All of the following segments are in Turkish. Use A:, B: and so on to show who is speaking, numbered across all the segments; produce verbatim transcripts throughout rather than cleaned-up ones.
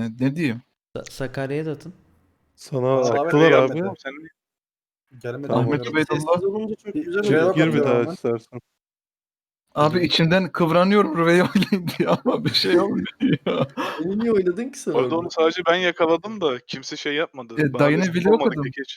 A: yani. Ne diyeyim?
B: Sa- Sakarya'ya da atın.
C: Sana
D: Abi,
C: attılar abi.
D: gelmedi. Sen Gelmedi.
C: Tamam.
A: Ahmet
D: bilmiyorum.
A: Ubeydullah.
E: Sessiz olunca çok güzel
D: Şeye
E: oluyor.
C: Gir bir
D: bakıyorum
C: daha
D: ben.
C: istersen.
A: Abi
B: Girdim.
A: içimden kıvranıyorum Rüveyi oynayın diye ama bir şey olmuyor.
E: Beni niye oynadın ki sen
D: Orada
E: orada?
D: onu sadece ben yakaladım da kimse şey yapmadı.
A: E,
D: Bana
A: dayını
D: destek
A: biliyor
D: olmadı
A: kadın.
D: kekeç.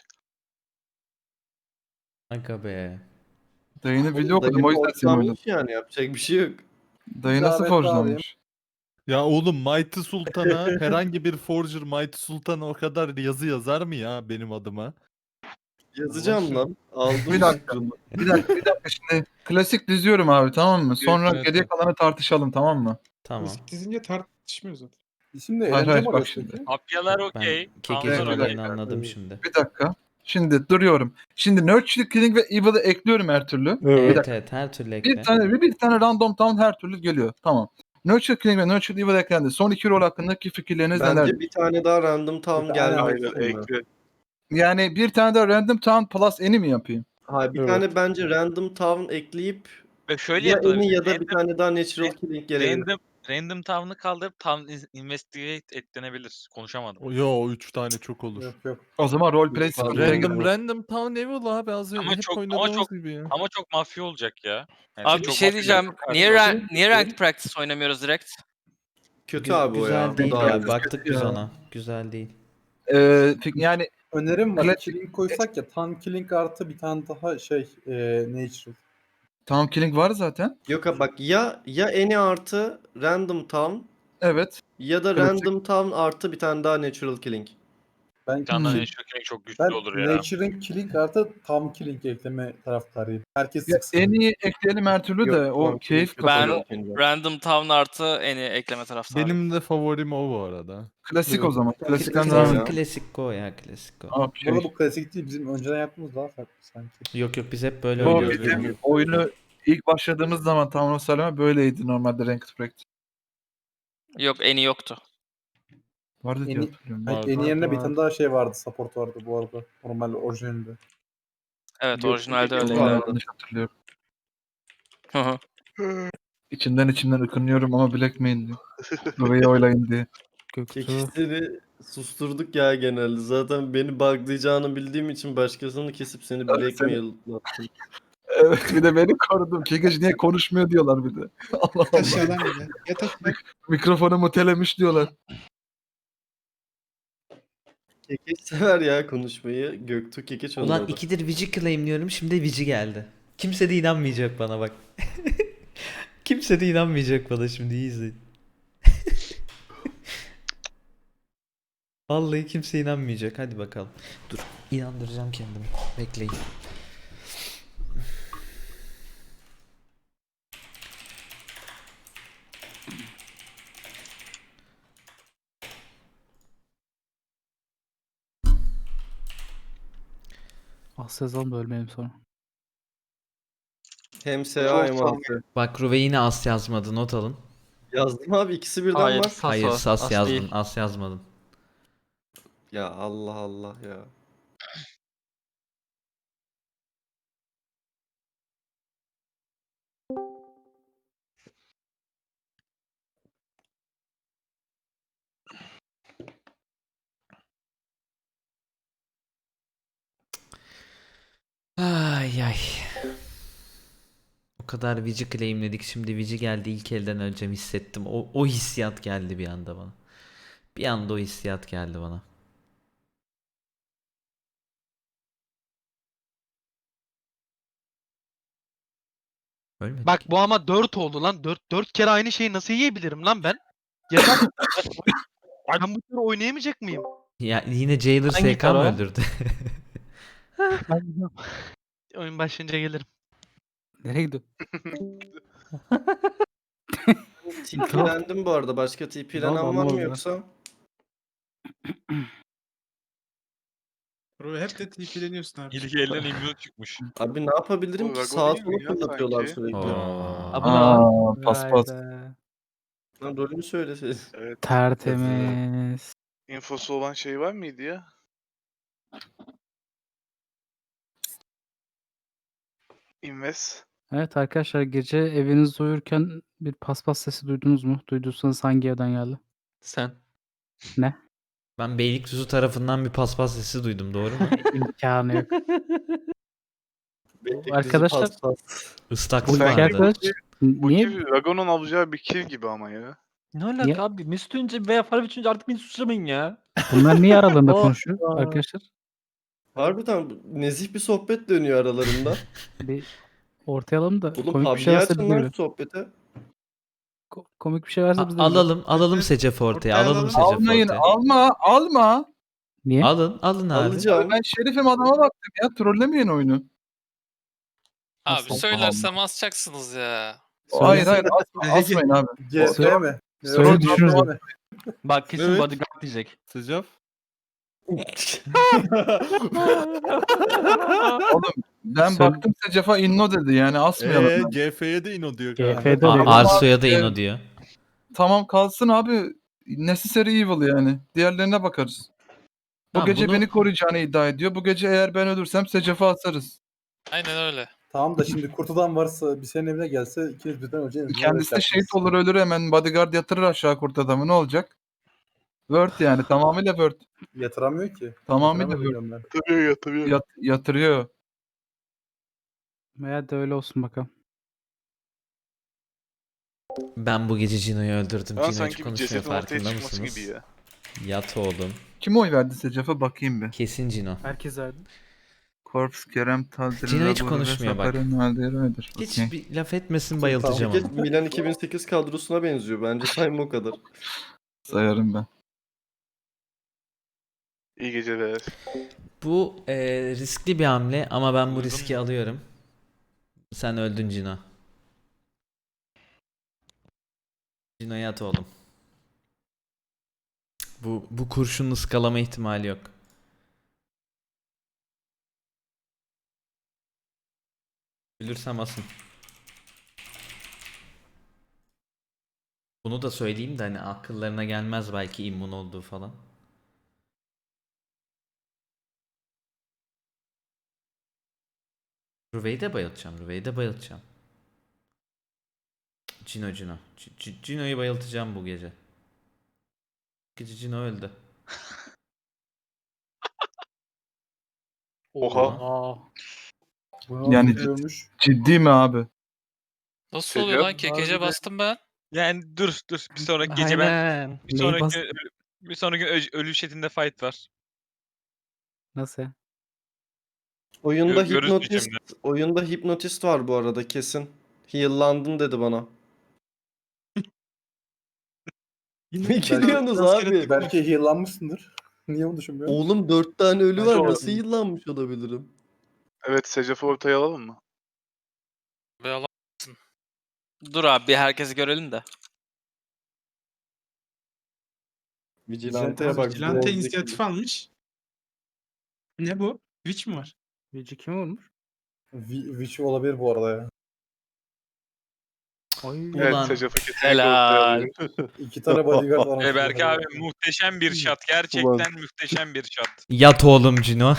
B: Kanka be.
A: Dayını biliyor okudum
E: Dayım
A: o yüzden seni oynadım.
E: ortalamış yani yapacak bir şey yok.
A: Dayı nasıl
F: Zahmet
A: forjlanmış?
C: Ya oğlum Mighty Sultan'a herhangi bir forger Mighty Sultan'a o kadar yazı yazar mı ya benim adıma?
E: Yazacağım lan. Aldım
A: Bir dakika.
E: fikrini.
A: Bir dakika bir dakika şimdi klasik diziyorum abi tamam mı? Sonra
C: Evet,
A: geriye
C: evet.
A: kalanı tartışalım tamam mı?
B: Tamam.
F: Klasik dizince tartışmıyoruz zaten.
D: Şimdi
A: Hayır,
D: eğlence
A: hayır,
D: mi
A: bak
D: arıyorsun
A: şimdi.
D: peki?
G: Mafyalar
B: Ben
G: okey.
B: Kekeç'in
A: Evet,
G: Tanrılar
A: bir
B: olayını
G: okey.
B: anladım şimdi.
A: Bir dakika. Şimdi duruyorum. Şimdi Nurture, Killing ve Evil'ı ekliyorum her türlü.
C: Evet.
A: Bir
B: Evet
A: dakika.
B: evet her türlü ekle.
A: Bir tane bir, bir tane random town her türlü geliyor. Tamam. Nurture, Killing ve Nurture Evil eklendi. Son iki rol hakkındaki fikirleriniz
E: Bence
A: neler?
E: bir tane daha random town
F: Bir tane
E: gelmeli.
D: Aynen ekle.
A: Yani bir tane de random town plus any mi yapayım?
E: Hayır bir
C: Evet.
E: tane bence random town ekleyip
G: Ve şöyle
E: ya
G: yapılır.
E: eni ya da bir
G: Random,
E: tane daha natural killing gelebilir.
G: random, random town'ı kaldırıp town is- investigate eklenebilir. Konuşamadım.
C: O- Yo o üç tane çok olur.
D: Yok yok.
A: O zaman roleplay
E: Yok,
A: sıkıntıya
E: random-
A: girer.
C: Random random Town Evil abi az önce
G: Ama
C: hep
G: çok- ama
C: oynadığımız
G: çok-
C: gibi ya.
G: Ama çok mafya olacak ya. Yani
H: Abi bir
G: çok
H: şey
G: mafya
H: diyeceğim.
G: olacak.
H: Niye,
G: Karşılaştık.
H: rank, niye ranked practice oynamıyoruz direkt?
E: Kötü
B: Gü-
E: abi o
B: güzel
E: ya. Bu
B: değil
E: daha
B: ya.
E: iyi.
B: Baktık biz
A: Ya.
B: ona. Güzel değil.
A: Ee, fik- yani
F: Önerim var.
A: Klasik-
F: Killing koysak ya. Tan killing artı bir tane daha şey e, natural.
A: town killing var zaten.
E: Yok abi bak ya ya eni artı random town
A: Evet.
E: ya da
A: Klasik.
E: random town artı bir tane daha natural killing.
F: Ben,
G: Bir tane daha
A: Hmm.
G: Nature King çok güçlü
F: ben
G: olur ya.
F: Nature'ın killing artı tam killing ekleme taraftarıyım. Herkes
A: Ya,
F: sıksın.
A: en iyi ekleyelim her türlü de
E: Yok,
A: o
E: tam
A: keyif
E: killing
A: katıyor.
E: yok.
H: Random town artı eni ekleme taraftarı.
C: Benim de favorim o bu arada.
A: Klasik o zaman. Klasikten
E: Klasik
A: devam
E: ya.
A: edelim.
B: Klasik go ya klasik go.
F: Bu arada
A: Okey.
F: bu klasik değil. Bizim önceden yaptığımız daha farklı sanki.
B: Yok yok biz hep böyle
A: Bu
B: oynuyoruz.
A: bizim
B: yani.
A: oyunu ilk başladığımız zaman Town of Salem böyleydi normalde Ranked Practice.
H: Yok eni yoktu.
A: Vardı diye
F: En iyi-
A: hatırlıyorum.
F: Yani
C: Vardı,
F: en yerine bir
C: vardı.
F: tane daha şey vardı. Support vardı bu arada. Normal orijinalinde.
H: Evet
E: Yok,
H: orijinalde
E: yok,
H: öyleydi.
E: yok.
A: Ben
E: vardı.
A: yanlış hatırlıyorum.
H: Hı hı.
A: İçimden içimden ıkınıyorum ama Blackmail diyor. Burayı oylayın diye.
E: Kekisleri susturduk ya genelde. Zaten beni buglayacağını bildiğim için başkasını kesip seni blackmail yaptım.
A: Evet bir de beni korudum. Kekeç niye konuşmuyor diyorlar bir de. Allah Allah.
F: Aşağıdan bir de. Yat aşağı.
A: Mikrofonu mutelemiş diyorlar.
E: Kekeç sever ya konuşmayı. Göktuğ Kekeç
B: Ulan
E: onlarda.
B: ikidir Vici claimliyorum şimdi Vici geldi. Kimse de inanmayacak bana bak. Kimse de inanmayacak bana şimdi iyi izleyin. Vallahi kimse inanmayacak. Hadi bakalım. Dur inandıracağım kendimi. Bekleyin.
I: Asya yazalım da ölmeyelim sonra.
E: Hem S A hem A S.
B: Bak Ruve yine as yazmadı not alın.
E: Yazdım abi ikisi birden
H: Hayır.
E: var.
H: Sas
B: Hayır
H: o,
B: sas
H: as
B: yazdın
H: değil.
B: as yazmadın.
E: Ya Allah Allah ya.
B: Ay ay. O kadar Vici claimledik şimdi Vici geldi ilk elden öleceğim hissettim. O, o hissiyat geldi bir anda bana. Bir anda o hissiyat geldi bana. Ölmedik.
J: Bak bu ama dört oldu lan. dört dört kere aynı şeyi nasıl yiyebilirim lan ben? Yeter. Ben bu tür oynayamayacak mıyım?
B: Ya yine Jailer
H: Hangi
B: S K mı
H: kara?
B: öldürdü?
J: Ben gidiyorum. Oyun başlayınca gelirim.
I: Nereye gidiyor?
E: TP'lendim bu arada. Başka TP'lenen
I: Tamam,
E: var mı
I: anlamadım ya.
E: yoksa?
F: Bro hep de TP'leniyorsun abi.
G: İlk elden immune çıkmış.
E: Abi ne yapabilirim
D: O
E: ki?
D: Rago
E: Sağa
D: değil mi
E: sola
D: ya
E: fırlatıyorlar
D: sanki?
E: sürekli.
B: Oo.
I: Abi ne var?
A: Aa, paspas.
I: Vay be.
E: Lan rolünü söyle.
D: Evet.
I: Tertemiz.
D: İnfosu olan şey var mıydı ya? Invest.
I: Evet arkadaşlar gece evinizi uyurken bir paspas sesi duydunuz mu? Duyduysanız hangi evden geldi?
H: Sen.
B: Ben Beylikdüzü tarafından bir paspas sesi duydum, doğru mu?
I: İmkanı yok.
E: Beylikdüzü
I: Arkadaşlar-
E: paspas.
B: Istaklık
A: Bu
I: Buradaki
A: bence
B: vardı.
I: arkadaş
D: Bu
I: niye
D: gibi Ragon'un alacağı bir kill gibi ama ya.
J: Ne alaka
I: Niye?
J: abi? Mesut önce veya Faruk önce artık beni suçlamayın ya.
I: bunlar niye aralarında
E: Aa,
I: konuşuyor
E: aa.
I: arkadaşlar?
E: Harbiden nezih bir sohbet dönüyor aralarında.
I: Bir ortaya alalım da
E: Oğlum
I: komik bir şey
E: PUBG
I: varsa biz de
E: açın lan
I: görelim.
E: sohbete.
I: Ko- komik bir şey varsa
B: A-
I: biz de görelim.
B: alalım, alalım Secef ortaya,
K: Ortaya
B: alalım
K: alalım.
B: Secef
A: Almayın,
B: ortaya.
A: alma, alma.
I: Niye?
B: Alın, alın abi.
E: Alacağım.
A: Ben şerifim, adama baktım ya. Trollemeyin oyunu.
H: Abi
A: Nasıl?
H: söylersem asacaksınız ya.
A: Hayır hayır asma, asmayın abi.
F: G F
A: Söyle-
F: mi?
I: söyle
F: Evet,
I: düşünürüz.
F: abi.
J: Bak kesin
C: Evet.
J: bodyguard diyecek.
C: Secaf.
A: Ben
I: Söyle-
A: baktım Secef'a inno dedi yani asmayalım.
C: Eee
A: ben.
C: G F'ye de ino diyor
I: G
C: kanka.
I: F'de
B: A-
I: de
B: Arso'ya da
A: Evet.
B: ino diyor.
A: Tamam kalsın abi. Necessary evil yani. Diğerlerine bakarız. Bu
B: Tamam,
A: gece
B: bunu-
A: beni koruyacağını iddia ediyor. Bu gece eğer ben ölürsem Secef'e asarız.
H: Aynen öyle.
F: Tamam da şimdi kurtudan varsa bir senin evine gelse ikiniz birden öleceğiniz.
A: Kendisi de şehit olur ölür hemen bodyguard yatırır aşağı kurt adamı ne olacak? Word yani tamamıyla Word.
F: Yatıramıyor ki.
A: Tamamıyla
F: Yatıramıyor
A: Word.
F: biliyorum ben.
D: Yatırıyor yatırıyor.
A: Yat- yatırıyor.
I: veya da öyle olsun bakalım.
B: Ben bu gece Cino'yu öldürdüm.
D: Ben
B: Cino hiç
D: sanki bir
B: konuşmuyor,
D: cesedin ortaya
B: farkında
D: çıkması
B: mısınız?
D: gibi ya.
B: Yat oğlum.
A: Kim oy verdi Secef'e bakayım bir.
B: Kesin Cino.
I: Herkes verdi.
A: Korps, Kerem, Tazdir,
B: Cino hiç konuşmuyor bak. Hiç
A: Okey.
B: bir laf etmesin, bayıltacağım
E: Peki
B: onu.
E: Milan iki bin sekiz kadrosuna benziyor. Bence sayma o kadar.
A: Sayarım ben.
D: İyi geceler.
B: Bu e, riskli bir hamle ama ben bu
G: Duydun
B: riski
G: mu?
B: alıyorum. Sen öldün Cino. Cino yat oğlum. Bu bu kurşunun ıskalama ihtimali yok. Ölürsem asın. Bunu da söyleyeyim de hani akıllarına gelmez belki immun olduğu falan. Ruve'yi de bayıltacağım. Ruve'yi de bayıltacağım. Cino Cino. C- C- Cino'yu bayıltacağım bu gece. Gece Cino öldü.
D: Oha.
J: Aa.
F: Bu
A: Yani-
F: yani ölmüş.
A: Ciddi mi abi?
H: Nasıl
D: Secaf?
H: oluyor lan? Kekece bastım ben.
G: Yani dur dur bir sonraki gece ben
J: Aynen.
G: bir
I: Neyi
G: sonraki
I: bas-
G: ölü- bir sonraki ö- ölü chatinde fight var.
I: Nasıl ya?
E: Oyunda
G: Gö- görürüz
E: hipnotist,
G: diyeceğim
E: oyunda hipnotist var bu arada kesin. Heal'landın dedi bana. Ne gülüyorsunuz abi?
F: Belki heal'lanmışsındır. Niye onu düşünmüyorsun?
E: Oğlum dört tane ölü
F: Bence
E: var.
F: olabilir.
E: Nasıl heal'lanmış olabilirim?
D: Evet Secef'i ortaya alalım mı?
H: Be Allah'sın. Dur abi bir herkesi görelim de.
E: Vigilante'ye bak.
K: Vigilante
E: zevzek
K: inisiyatif
E: gibi.
K: almış. Ne bu? Witch mi var?
I: Vici kim olmuş?
F: Vi- Witch olabilir bu arada ya.
I: Ay.
D: Evet
B: Ulan.
D: Secef'i kesinlikle ortaya
H: Helal.
D: alıyorum.
F: İki tane bodyguard var.
G: E Berk abi muhteşem bir shot. Gerçekten muhteşem bir shot.
B: Yat oğlum Cino.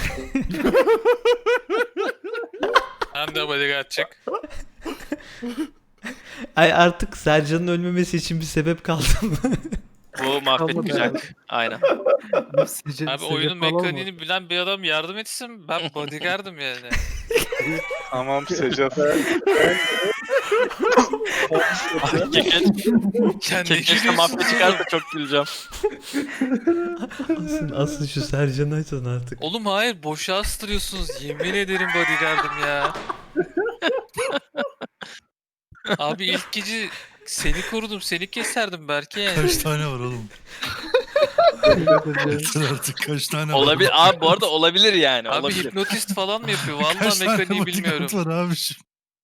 H: Hem de bodyguard çık.
B: Ay artık Sercan'ın ölmemesi için bir sebep kaldı mı?
H: Bu mahvetmeyecek. Aynen.
I: Sece-
H: Abi
I: Secef
H: oyunun
I: falan mı?
H: mekaniğini bilen bir adam yardım etsin. Ben bodyguard'ım yani.
D: Tamam Secef.
H: Kekeçle mafya çıkarsa çok güleceğim.
B: asıl, asıl şu Sercan'ı açın artık.
H: Oğlum hayır boşa astırıyorsunuz. Yemin ederim bodyguard'ım ya. Abi ilk gece seni korudum. Seni keserdim belki yani.
K: Kaç tane var oğlum? Yeter artık kaç tane var?
H: Olabilir. Abi bu arada olabilir yani. Abi
G: Olabilir.
H: hipnotist falan mı yapıyor?
K: Kaç
H: Vallahi
K: tane
H: mekaniği bilmiyorum.
K: bodyguard var abiciğim?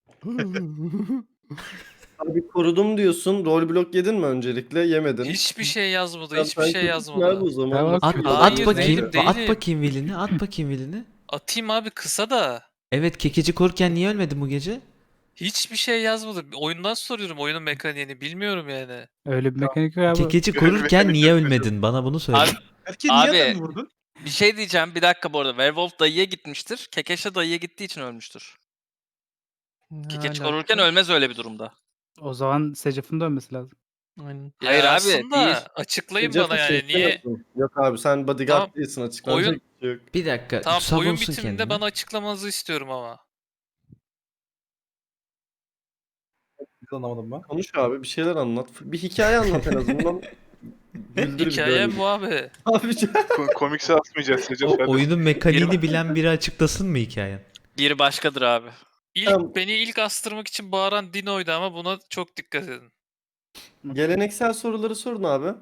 E: Abi korudum diyorsun. Rol blok yedin mi öncelikle? Yemedin.
H: Hiçbir şey yazmadı.
E: Ya
H: Hiçbir
E: sen
H: şey
E: kötüsün abi
H: yazmadı.
E: o zaman.
I: Tamam.
B: At,
E: Nasıl-
H: Hayır,
B: at bakayım.
H: değilim,
B: At
H: değilim.
B: bakayım vilini. At bakayım vilini.
H: Atayım abi kısa da.
B: Evet, kekeci korurken niye ölmedin bu gece?
H: Hiçbir şey yazmadı. Oyundan soruyorum oyunun mekaniğini. Bilmiyorum yani.
I: Öyle bir mekanik yok abi.
B: Kekeci korurken niye ölmedin? Bana bunu söyle.
H: Abi
K: Erkeği niye
H: Abi-
K: adam vurdun?
H: bir şey diyeceğim. Bir dakika bu arada. Werewolf dayıya gitmiştir. Kekeşe dayıya gittiği için ölmüştür.
J: Ne
H: Kekeç
J: alaka?
H: korurken ölmez öyle bir durumda.
I: O zaman Secef'in dönmesi lazım.
J: Aynen.
H: Hayır
G: Ya
H: abi,
G: aslında
H: değil.
G: açıklayın
E: Secaf'ı
G: bana yani
E: şey
G: niye
E: yapıyorsun. Yok abi sen bodyguard
G: Tamam,
E: değilsin, açıklanacak
G: oyun-
E: bir şey yok.
B: Bir dakika.
G: Tamam oyun
B: savunsun
G: bitiminde
B: kendini.
G: bana açıklamanızı istiyorum ama.
F: Hiç anlamadım ben.
E: Konuş abi, bir şeyler anlat. Bir hikaye anlat en azından. Güldür bizi öyle.
G: Hikayem bu abi.
E: Abi
D: Ko- komikse atmayacağız Secaf.
B: O,
D: hadi.
B: oyunun mekaniğini bilen biri açıklasın mı hikayen?
H: Bir başkadır abi.
G: İlk
E: Tamam.
G: beni ilk astırmak için bağıran Dino'ydu ama buna çok dikkat edin.
E: geleneksel soruları sorun abi.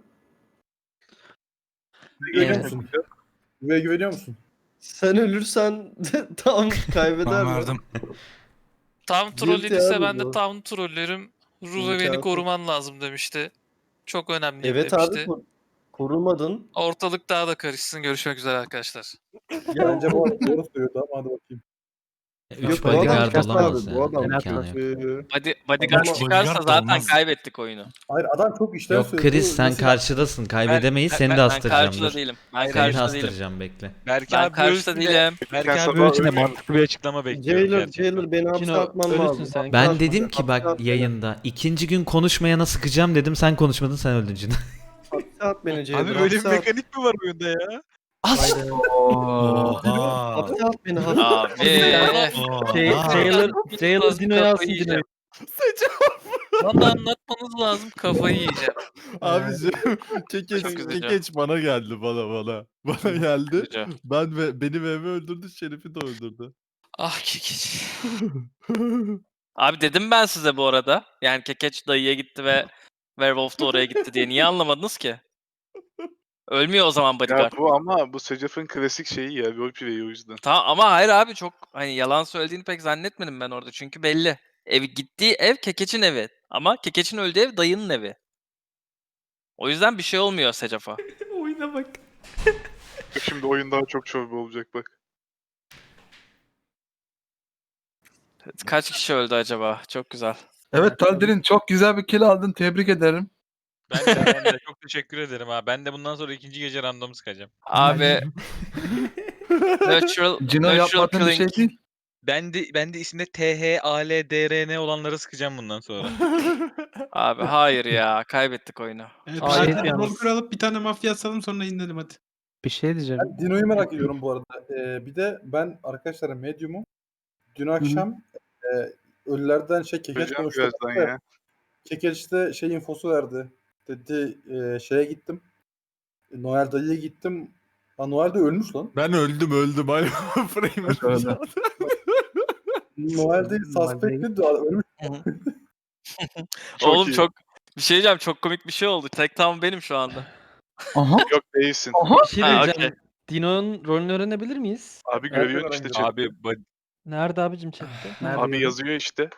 F: Güveniyor
B: Evet.
F: musun? Güve güveniyor musun?
E: Sen ölürsen tam kaybeder mi?
K: Verdim.
G: Tam
E: Guilty
G: troll idiyse
E: abi
G: ben de
E: bu.
G: tam trollerim. Ruve beni
E: İmkansız.
G: koruman lazım demişti. Çok önemli
E: Evet
G: demişti.
E: abi kor- korumadın.
G: Ortalık daha da karışsın. Görüşmek üzere arkadaşlar.
E: Ya,
F: Bence bu arada doğru söylüyordu ama hadi bakayım.
B: Üç
E: Yok, bu adam
B: bodyguard
E: çıkarsa
B: olamaz
E: abi,
B: yani.
E: bu adam
B: İmkanı yok.
E: Ee,
H: Body, bodyguard
E: Ama-
H: çıkarsa
K: Bodyguard da
H: zaten
K: olmaz.
H: kaybettik oyunu.
F: Hayır adam çok işten
B: Yok
F: söylüyor.
B: Chris sen
F: Mesela-
B: karşıdasın. Kaybedemeyiz.
H: Ben-
B: Seni
H: ben-
B: de
H: Ben
B: astıracağım.
H: karşıda
B: Dur.
H: değilim. Ben
B: Seni de
H: karşıda değilim.
B: astıracağım bekle.
G: Berk
H: Ben karşıda değilim.
G: Berk
D: Sen
G: abi
D: sabah
G: ölçüde
D: ölmüyor.
G: mantıklı bir açıklama bekliyorum.
E: Jailer,
G: gerçekten.
E: Jailer beni hapse
J: Cino,
E: atman
J: ölürsün
E: lazım.
J: sen.
B: Ben
E: Hapse
B: dedim
E: at,
B: ki
E: hapse
B: bak
E: at beni.
B: yayında ikinci gün konuşmayana sıkacağım dedim. Sen konuşmadın, sen öldün Cino.
E: Hapse at beni Jailer.
G: Abi böyle bir
E: hapse at.
G: mekanik mi var oyunda ya?
B: As!
K: Oha.
E: Hapse at beni hapse at.
H: Abi.
J: Şey,
K: Oha.
J: Jailer, Jailer
H: Lazım,
J: Dino'yu
H: kafayı
J: alsın
H: yiyeceğim.
J: Dino'yu.
G: Bana anlatmanız lazım kafayı yiyeceğim.
C: Abicim kekeç,
H: Çok üzücü.
C: kekeç bana geldi bana bana. Bana geldi.
H: Üzücü.
C: Ben ve beni ve Eve öldürdü, Şerif'i de öldürdü.
G: Ah kekiç.
H: Abi dedim ben size bu arada. Yani Kekeç dayıya gitti ve Werewolf da oraya gitti diye. Niye anlamadınız ki? Ölmüyor o zaman
D: Ya
H: bodyguard.
D: bu ama bu Secaf'ın klasik şeyi ya. Roleplay'i o yüzden.
H: Tamam ama hayır abi çok hani yalan söylediğini pek zannetmedim ben orada. Çünkü belli. Ev gittiği ev Kekeç'in evi. Ama Kekeç'in öldüğü ev dayının evi. O yüzden bir şey olmuyor Secaf'a.
B: Oyuna bak.
D: Şimdi oyun daha çok çorba olacak bak.
H: Kaç kişi öldü acaba? Çok güzel.
A: Evet Taldir'in çok güzel bir kill aldın. Tebrik ederim.
G: Ben de, ben de çok teşekkür ederim ha. Ben de bundan sonra ikinci gece random sıkacağım.
H: Abi Natural,
A: Cino
H: natural
A: yapmadığın bir şey
H: killing.
A: değil.
G: Ben de ben de isimde T H A L D R N olanları sıkacağım bundan sonra.
H: Abi hayır ya. Kaybettik oyunu.
K: Evet,
J: Aa,
K: hadi
J: evet
K: bir
J: yalnız.
K: rol alıp bir tane mafya asalım sonra inelim hadi.
I: Bir şey diyeceğim.
F: Ben Dino'yu merak ediyorum bu arada. Ee, bir de ben arkadaşlar Medium'um. Dün akşam e, ölülerden şey Kekeç
D: Göreceğim
F: konuştu.
D: birazdan ya.
F: Kekeç de şey infosu verdi. Dedi e, şeye gittim. Noel dayıya gittim. Ha Noel de ölmüş lan.
C: Ben öldüm öldüm. Ay frame'im
A: Öyle.
C: çaldı.
F: Noel değil suspect'ti de ölmüş.
D: Çok
H: Oğlum
D: iyi.
H: çok bir şey diyeceğim. Çok komik bir şey oldu. Tek tam benim şu anda.
A: Aha.
D: Yok değilsin.
J: Bir şey
H: Ha,
J: diyeceğim. Dino'nun rolünü öğrenebilir miyiz?
D: Abi görüyorsun işte. chat.
G: Abi ba-
J: Nerede abicim chatte? Nerede?
D: Abi yazıyor işte.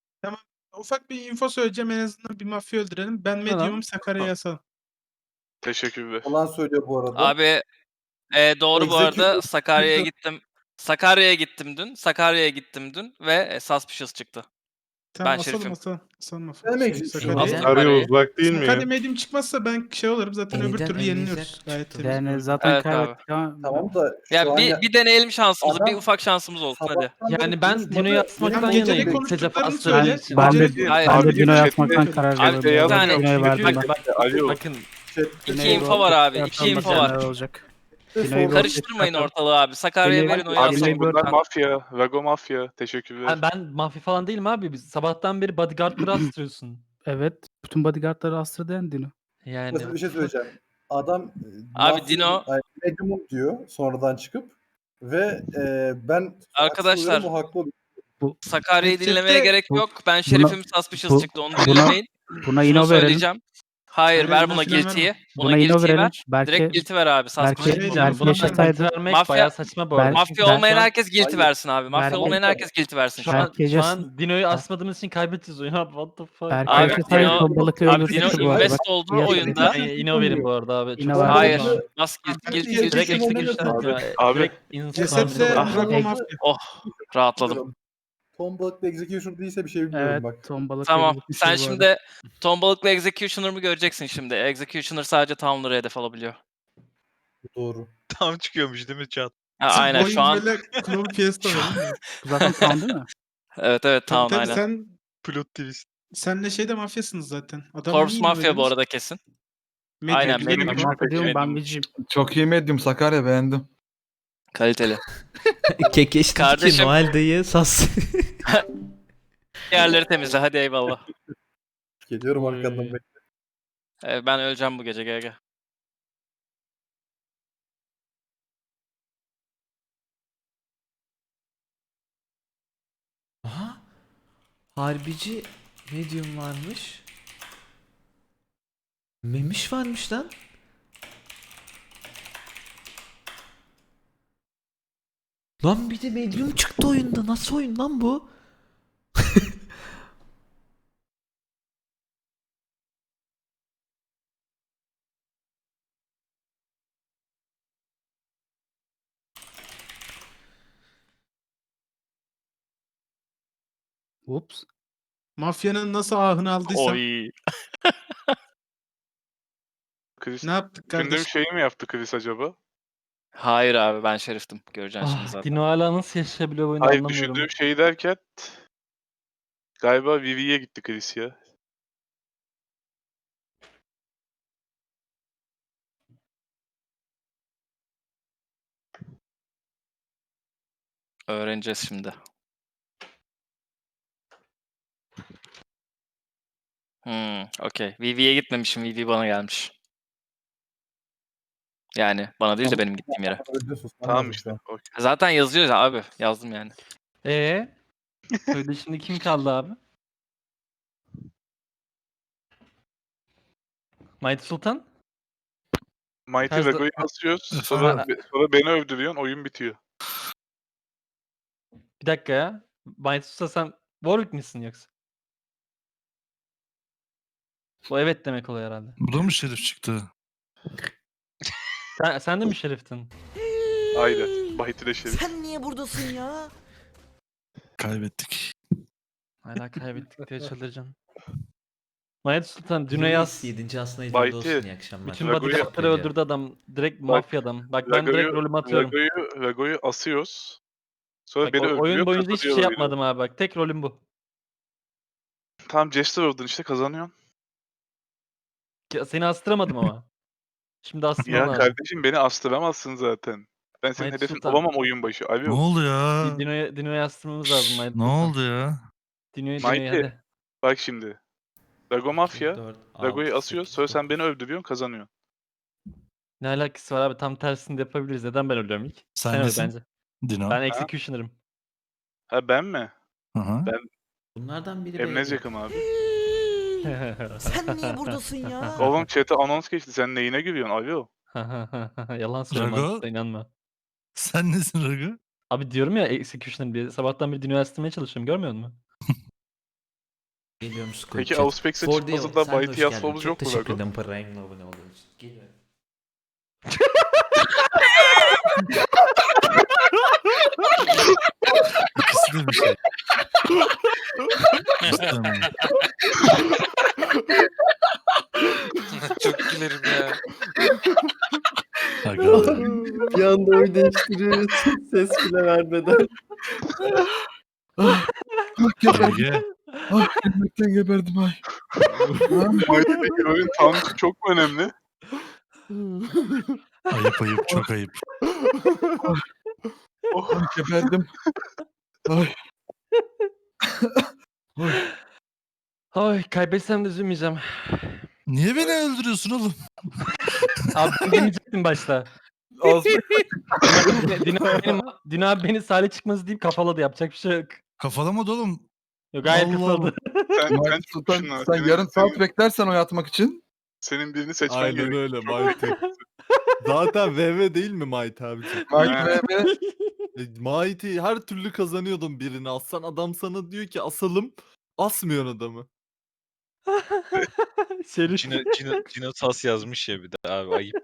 K: Ufak bir info söyleyeceğim en azından bir mafya öldürelim. Ben
J: Tamam.
K: Medium'um Sakarya'ya asalım.
D: Teşekkürler.
F: Yalan söylüyor bu arada.
H: Abi e, doğru bu arada.
F: Executive-
H: Sakarya'ya gittim. Sakarya'ya gittim dün. Sakarya'ya gittim dün ve e, Suspicious çıktı.
K: Tamam
H: Ben
K: asalım
H: Şerif'im.
K: asalım. Asalım
F: Ne demek
K: Şey,
F: istiyorsun?
K: Sakarya'ya.
H: Aslan- Sakarya
E: uzak değil
K: Sakarya Medium çıkmazsa ben şey olurum zaten öbür
B: Elden
K: türlü
B: elinize
K: yeniliyoruz.
B: tutun.
K: Gayet temiz.
I: Yani zaten
H: Evet abi.
I: kaybettik ama
F: Tamam da şu
H: Ya
F: an
H: bir,
F: ya-
H: bir deneyelim şansımızı. Bir
F: Adam-
H: ufak şansımız olsun hadi.
F: sabahtan beri
J: Yani ben
F: konuşmadı.
J: Dino'yu asmaktan
K: Tamam, geceli
J: yanayım.
K: konuştuklarını
J: Secaf'ı
K: söyle.
J: astırmak için.
I: ben
K: Gece-
I: de,
H: Hayır,
I: ben
D: abi,
I: de Dino'yu
D: chat'te-
I: atmaktan karar
H: Abi,
I: verdim.
D: beyaz
I: Dino'yu
H: yok,
I: Dino'yu
D: çünkü
I: verdim
H: bak-
I: ben.
H: bak-
D: Alo.
J: Bakın
F: Chat-
H: İki
I: Dino'yu
H: info var abi.
I: roll
H: iki
I: atalım,
H: info
I: bakalım
H: var.
I: neler olacak.
F: Dino'yu
I: Dino'yu roll
H: Karıştırmayın
I: atalım.
H: ortalığı abi. Sakarya'ya
I: Dino'yu-
H: verin oyu
D: Abi
H: asalım.
I: Dino'yu-
D: bunlar mafya. Vago mafya. Teşekkürler.
J: ben, ben mafya falan değilim abi. Biz sabahtan beri bodyguardları astırıyorsun.
I: Evet. Bütün bodyguardları astırdı yani Dino.
J: Yani
F: Mesela bir şey söyleyeceğim. Adam e,
H: Abi
F: mafya-
H: Dino-
F: ay, Medium'um diyor sonradan çıkıp ve e, ben
H: Arkadaşlar,
F: haksız oluyorum, o haklı oluyor.
H: Sakarya'yı
K: Chatte-
H: dinlemeye gerek
I: Bu-
H: yok. Ben
I: buna-
H: Şerif'im Suspicious
I: bu-
H: çıktı. Onu
I: buna-
H: dinlemeyin.
I: Buna
H: Şunu
I: ino verelim.
H: söyleyeceğim. Hayır
K: Aynen,
H: ver
K: buna
H: buna
K: filan
H: guilty'yi.
K: verme.
H: Buna
I: Buna ino
H: guilty'yi
I: verelim.
H: ver.
I: Belki
H: Direkt guilty ver abi.
I: belki-
H: Suspicious.
K: Şey diyeceğim,
I: belki
K: buna
I: yaşasaydı-
K: ben-
J: vermek
H: Mafya-
J: bayağı saçma bu arada.
I: Belki-
H: Mafya
I: ben-
H: olmayan herkes guilty
F: Hayır.
H: versin abi. Mafya
I: Belki-
H: olmayan herkes guilty versin.
J: Şu
H: Şu
J: an,
H: an
I: Belki
J: şu
I: yaşas-
J: an Dino'yu asmadığımız için kaybedeceğiz oyunu abi. What the fuck?
I: Belki
H: Abi,
I: yaşasaydı
H: Dino-
I: tombalıkla
H: Abi Dino
I: öldürseydi bu arada.
H: invest
I: Bak,
H: olduğu
I: yaşadı.
H: oyunda.
J: Ben ino verin bu arada abi.
I: Yine
J: Çok
I: var.
H: Hayır.
F: Abi-
H: Bas guilty
F: Abi,
H: guilty
F: direkt
H: guilty.
J: Direkt
F: Kesin
J: execution
F: oynadı.
J: ya.
D: Abi-
J: Direkt insan
K: Cesetle
F: Ah,
K: Vago
F: evet.
K: mafya.
H: Oh rahatladım.
F: Tom balıklı execution değilse bir şey bilmiyorum
I: Evet.
F: bak.
I: Tombalıkla
H: Tamam.
I: öldürmüş
H: Sen
I: bu arada.
H: şimdi Tom Balık'la Executioner'ımı göreceksin şimdi. Executioner sadece Town'ları hedef alabiliyor.
F: Doğru.
G: tam çıkıyormuş değil mi chat?
H: Ha, aynen
K: Oyun
H: şu an.
K: böyle Club Fiesta var değil mi?
I: Bu zaten tam değil mi?
H: Evet evet
K: Tabii
H: Town
K: tabii
H: aynen.
K: sen
G: Plot twist.
K: Senle şey de mafyasınız zaten. Adam
H: Corps
K: niye
H: Mafya bu
K: inanmadınız?
H: arada kesin.
K: Medium.
H: Aynen,
D: Medium
H: Medium.
D: güçlü
I: Mafya
D: peki.
I: diyorum ben
H: Medium.
I: viciyim.
A: Çok iyi Medium Sakarya beğendim.
H: Kaliteli.
B: Kekeş dedi ki
H: Kardeşim-
B: Noel dayı sas.
H: Yerleri temizle hadi eyvallah.
F: Geliyorum arkandan
K: Oy.
F: bekle.
H: Ee, ben öleceğim bu gece gel gel.
B: Aha. Harbici medium varmış. Memiş varmış lan. Lan bir de medium çıktı oyunda. Nasıl oyun lan bu?
I: Ups.
K: Mafyanın nasıl ahını aldıysam
H: Oy.
D: Chris
K: ne yaptık
D: düşündüğüm
K: kardeşim?
D: şeyi mi yaptı Chris acaba?
H: Hayır abi ben şeriftim. Göreceksin şimdi
J: Ah,
H: zaten.
J: Dino hala nasıl yaşayabiliyor bu oyunu
D: Hayır
J: anlamıyorum.
D: düşündüğüm şeyi derken galiba Vivi'ye gitti Chris ya.
H: Öğreneceğiz şimdi. Hmm, okey. Vivi'ye gitmemişim. Vivi bana gelmiş. Yani bana değil de benim gittiğim yere.
F: Öldürsün, sen
D: Tamam
F: lazım
D: işte.
F: şu an.
D: okey.
H: Zaten yazıyor ya abi. Yazdım yani.
J: Ee? Söyle şimdi kim kaldı abi? Mighty Sultan?
D: Mighty
J: Her-
D: Rago'yu asıyoruz. Sonra, sonra beni övdürüyorsun. Oyun bitiyor.
J: Bir dakika ya. Mighty Sultan sen Warwick misin yoksa? Bu evet demek oluyor herhalde.
C: Bu da mı şerif çıktı?
J: Sen, sen de mi şeriftin?
D: Aynen. Mighty de şey.
B: Sen niye buradasın ya?
C: Kaybettik.
J: Hala kaybettik diye çıldıracağım. Mighty Sultan Dino yaz.
B: yedinci aslında
D: Baytı.
B: olsun, iyi akşamlar.
J: Bütün
D: Rago'yu-
J: bodyguardları öldürdü adam. Direkt mafya adam. Bak ben direkt rolümü atıyorum.
D: Rago'yu, Rago'yu asıyoruz. Sonra
J: Bak,
D: beni
J: o-
D: öldürüyor.
J: oyun boyunca hiçbir şey
D: kazanıyor oyunu.
J: yapmadım abi bak. Tek rolüm bu.
D: Tamam Jester oldun işte kazanıyorsun.
J: Ki- Seni astıramadım ama. Şimdi astırmam
D: Ya
J: lazım.
D: kardeşim beni astıramazsın zaten. Ben senin
J: Mighty
D: hedefin
J: Sultan.
D: olamam oyun başı. Alo.
C: Ne oldu ya?
J: Di- Dino'ya Dino'ya astırmamız lazım. Mighty
C: Ne
J: Sultan.
C: oldu ya?
J: Dino'yu
D: Mighty.
J: Dino'yu hadi.
D: Bak şimdi. Rago Mafya.
B: dört,
D: Rago'yu
B: altı,
D: asıyoruz.
B: sekiz,
D: Sonra sen
B: dokuz.
D: beni öldürüyorsun kazanıyorsun.
J: Ne alakası var abi? Tam tersini de yapabiliriz. Neden ben ölüyorum ilk?
C: Sen
J: Sen öl
C: nesin?
J: bence.
C: Dino.
J: Ben executioner'ım.
D: Ha ben mi?
C: Hı hı.
B: Bunlardan biri
D: Emnezyakım abi.
B: Sen niye buradasın ya?
D: Oğlum chat'e anons geçti. Sen neyine gülüyorsun? Alo.
J: Yalan söylüyorum.
C: Drago?
J: Mantıkla inanma.
C: Sen nesin Rago?
J: Abi diyorum ya executioner diye. Sabahtan beri Dino'yu astırmaya çalışıyorum. Görmüyor musun?
B: Geliyorum Squid
D: Peki
B: Chat.
D: Auspex'e
B: For
D: çıkmasa
B: Deal,
D: da
B: sen de
D: Mighty
B: hoş geldin.
D: yazmamız
B: Çok
D: yok mu
B: teşekkür
D: Rago?
B: ederim parayla abone olduğun için. Geliyorum.
C: İkisi de bir şey. Cidden mi?
G: Çok gülerim ya.
C: Aga.
E: Bir anda oy değiştiriyor. Ses bile vermeden.
A: Geberdim.
C: Ege.
A: Ay gülmekten geberdim ay.
D: Mighty'deki rolün tanrısı çok mu önemli?
C: Ayıp ayıp çok ayıp.
D: Oh.
A: Ay geberdim. Ay. Ay.
J: Ay kaybetsem de üzülmeyeceğim.
C: Niye beni öldürüyorsun oğlum?
J: Abi ben demeyecektim başta.
A: Ağzına
J: Dino, benim, Dino abi beni Salih çıkmaz deyip kafaladı. Yapacak bir şey yok.
C: Kafalamadı oğlum.
J: Yok gayet
C: Allah
J: kafaladı.
D: Sen, sen
A: Mighty Sultan
D: çıkmışsın lan.
A: sen
D: Senin-
A: yarım saat
D: senin,
A: beklersen oy atmak için.
D: senin birini seçmen
C: Aynen
D: gerekiyor.
C: öyle Mighty. Zaten V V değil mi Mighty abicim?
A: Mighty
D: Ha.
A: V V
C: E, Mighty her türlü kazanıyordun birini. Aslan adam sana diyor ki asalım. Asmıyorsun adamı.
J: Şerif.
G: Cino, Cino, Cino Sas yazmış ya bir de abi ayıp.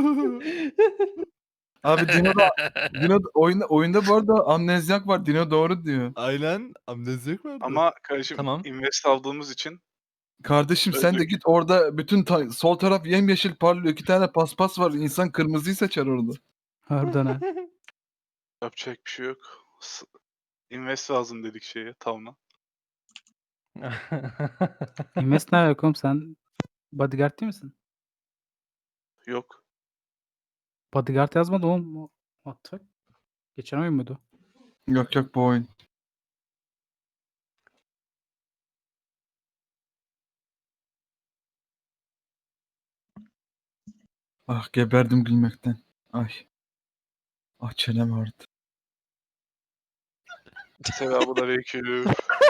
A: Abi Dino da Dino da- oyunda, oyunda bu arada amnezyak var. Dino doğru diyor.
C: Aynen. Amnezyak vardı.
D: Ama kardeşim
J: Tamam.
D: invest aldığımız için
A: Kardeşim sen de git orada bütün ta- sol taraf yemyeşil parlıyor. İki tane paspas var. İnsan kırmızıyı seçer orada.
I: Harbiden ha.
D: yapacak bir şey yok. S- Invest lazım dedik şeye Town'a.
I: Invest ne yok oğlum, sen bodyguard değil misin?
D: Yok.
I: Bodyguard yazmadı oğlum. O- What the fuck? Geçen oyun muydu?
A: Yok yok bu oyun. Ah geberdim gülmekten. Ay. Ah çenem ağrıdı.
D: Selamünaleyküm.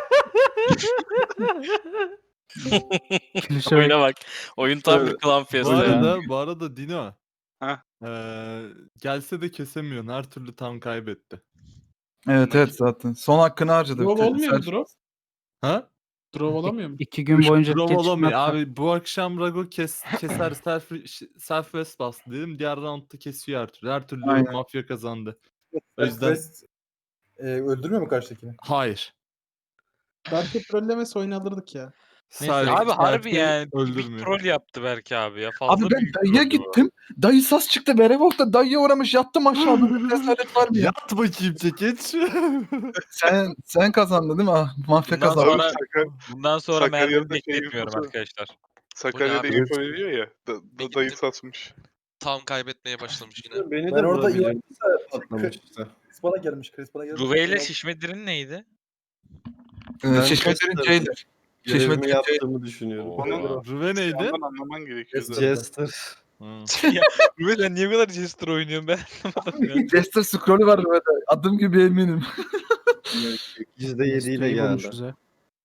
I: Klişe
H: Oyuna bak. Oyun tam bir
D: Evet.
H: klan
C: Bu
H: fiyatı ya.
C: arada, bu arada Dino.
D: Heh.
C: Eee, gelse de kesemiyorsun. Her türlü tam kaybetti.
A: Evet evet zaten. Son hakkını harcadı.
K: Drop
A: Bir tek
K: olmuyor mu
A: self-
K: drop?
C: Ha?
K: Drop olamıyor mu?
I: İki gün boyunca
C: Drop
I: geç
C: olamıyor.
I: çıkmazsa-
C: Abi bu akşam Rago kes, keser self, self west bastı dedim. Diğer roundda kesiyor her türlü. Her türlü
A: Aynen.
C: mafya kazandı. O yüzden-
F: West, e, öldürmüyor mu karşıdakini?
C: Hayır.
K: Belki trollemesi oyunu alırdık ya.
C: Sadece
G: Abi harbi
C: Selfie
G: yani bir
C: öldürmüyor.
G: troll yaptı belki abi ya. Fazla
A: Abi ben
G: büyük
A: dayıya
G: troll bu.
A: gittim. Dayı sas çıktı. Werewolf'ta dayıya uğramış. Yattım aşağıda. Bir cesaret var mı ya?
C: Yat bakayım çekeç.
A: Sen sen kazandın değil mi? Ah, mafya
G: Bundan
A: kazandı.
G: sonra,
D: Sakar-
G: bundan sonra
D: Sakarya'da
G: mermi
D: şey
G: bekletmiyorum
D: yapılsa-
G: arkadaşlar.
D: Sakarya'da
L: abi?
D: info veriyor ya. Da,
L: Bir
D: da, dayı
L: gittim.
D: satmış.
L: Tam kaybetmeye başlamış yine.
E: Beni de
F: Ben orada
E: vurabilir.
F: yuvarlıysa
E: Patlamış işte.
F: Chris bana gelmiş. Chris bana gelmiş.
G: Ruve ile şişme dirin neydi?
A: Ee,
E: Ben
A: Şişmelerin
E: Jester-
A: Jailer.
E: Görevimi
A: Şişmelerin
E: yaptığımı düşünüyorum.
G: Oha.
C: Rüve neydi?
D: Ondan anlaman gerekiyordu.
E: Jester.
C: Hı.
G: Ruve sen niye bu kadar Jester oynuyorsun ben anlamadım ya.
A: Jester scroll'ü var böyle. Adım gibi eminim.
E: yüzde yedi ile
I: İyi
E: geldi.
I: bulmuşuz ha.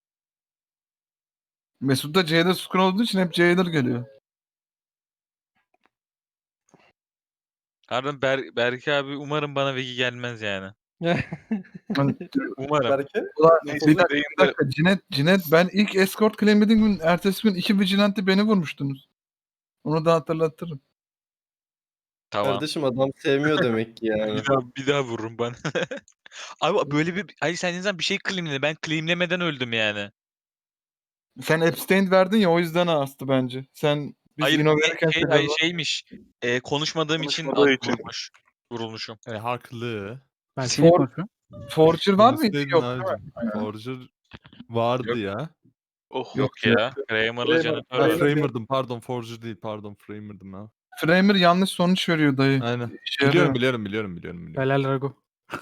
A: Mesut'ta Jailer scroll olduğu için hep Jailer geliyor.
G: Harbiden Ber Berke abi umarım bana Vegi gelmez yani.
A: Hani,
G: Umarım.
F: Belki.
A: ulan,
D: Neyse,
A: bir dakika,
D: beyin
A: bir
D: de-
A: dakika. Cinet, Cinet ben ilk escort claimlediğim gün ertesi gün iki vigilante beni vurmuştunuz. Onu da hatırlatırım.
G: Tamam.
E: Kardeşim adam sevmiyor demek ki yani.
G: Bir daha, bir daha vururum ben. Abi böyle bir... Hayır sen insan bir şey claimle. Ben claimlemeden öldüm yani.
A: Sen abstain verdin ya o yüzden astı bence. Sen biz
G: Hayır,
A: Ino
G: şey,
A: verirken
G: şey,
A: sen-
G: hayır şeymiş. E, konuşmadığım için
D: Konuşmadığı için.
G: vurulmuş. Vurulmuşum.
C: E, haklı.
I: Ben seni
A: For-
I: konuşuyorum.
A: Forger var mıydı?
C: Konuşsaydın
A: Yok.
C: abicim. Forger vardı ya.
D: Oh.
G: Yok ya. Kramer'la
F: Kramer-
G: Jennifer
C: Ha,
G: var.
C: Framer'dım pardon Forger değil pardon Framer'dım ya.
A: Framer yanlış sonuç veriyor dayı.
C: Aynen.
A: İşe
C: Biliyorum
A: yarıyor.
C: biliyorum biliyorum biliyorum. biliyorum.
I: Helal Rago.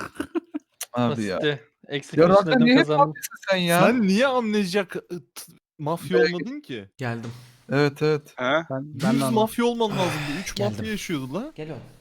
A: Abi ya.
E: Eksik
A: Ya zaten niye hep mafyasın sen ya?
C: Sen niye amnejak ı, t- mafya olmadın ki?
B: Geldim.
A: Evet evet.
D: He?
I: Ben, ben de
C: Yüz
I: anladım.
C: mafya olman lazımdı. Üç
B: Geldim.
C: mafya yaşıyordu la.
B: Gel oğlum.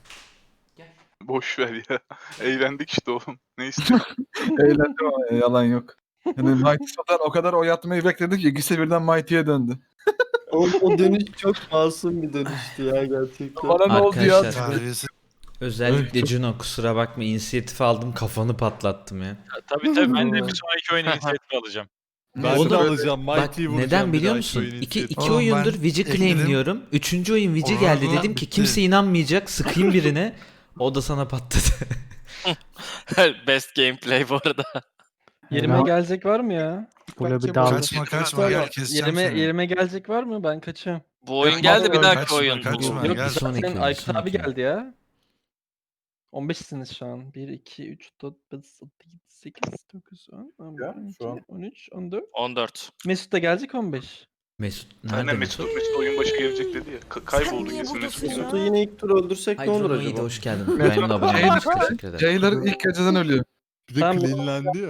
D: Boş ver ya. Eğlendik işte oğlum. Ne istiyorsun?
A: Eğlendim ama yalan yok. Yani Mighty So'dan o kadar oy atmayı bekledik ki ikisi birden Mighty'ye döndü.
E: O, o dönüş çok masum bir dönüştü ya gerçekten.
A: Bana ne oldu ya?
B: Arkadaşlar. Özellikle Juno kusura bakma inisiyatif aldım kafanı patlattım ya.
G: Tabii tabii ben de bir sonraki oyun inisiyatif alacağım.
C: Ben
B: Oğlum,
C: de alacağım.
B: Bak
C: Mighty'yi vuracağım.
B: neden
C: bir
B: biliyor
C: dahaki
B: musun?
C: oyun
B: İki,
C: inisiyatif.
B: iki
K: Oğlum,
B: oyundur
K: ben
B: Vici
K: ekledim.
B: claimliyorum. Üçüncü oyun Vici
K: Oha,
B: geldi
K: oha,
B: dedim ki
K: bitti.
B: kimse inanmayacak sıkayım birine. O da sana patladı.
H: Best gameplay bu arada.
I: Yerime Helal.
E: gelecek var mı ya?
I: Böyle bir
K: Kaçma,
I: dağılış.
K: kaçma, kaçma, gel keseceğim seni.
E: yerime gelecek var mı? Ben kaçıyorum.
H: Bu oyun geldi bir dahaki
K: Kaçma,
H: oyun.
K: kaçma.
H: Bu.
B: Yok,
K: gel.
B: bir sonraki oyun, bir sonraki oyun.
E: ya. on beşsiniz şu an. bir, iki, üç, dört, beş, altı, yedi, sekiz, dokuz, on, on bir,
F: Ya,
E: on
F: şu an.
E: iki, on üç, on dört.
H: on dört.
E: Mesut da gelecek on beş.
B: Mesut.
D: Aynen
B: Nerede
D: Mesut,
B: Mesut?
D: Mesut oyun başı gelecek dedi ya. Ka- kayboldu kesin Mesut.
E: Mesut'u yine ilk tur öldürsek
B: Hayır
E: ne olur
B: Juno iyi de
E: acaba?
B: hoş geldin. Diamond abone olmuş. Teşekkür ederim.
A: Jailer ilk geceden ölüyor.
C: Bir de
E: Tamam.
C: cleanlendi ya.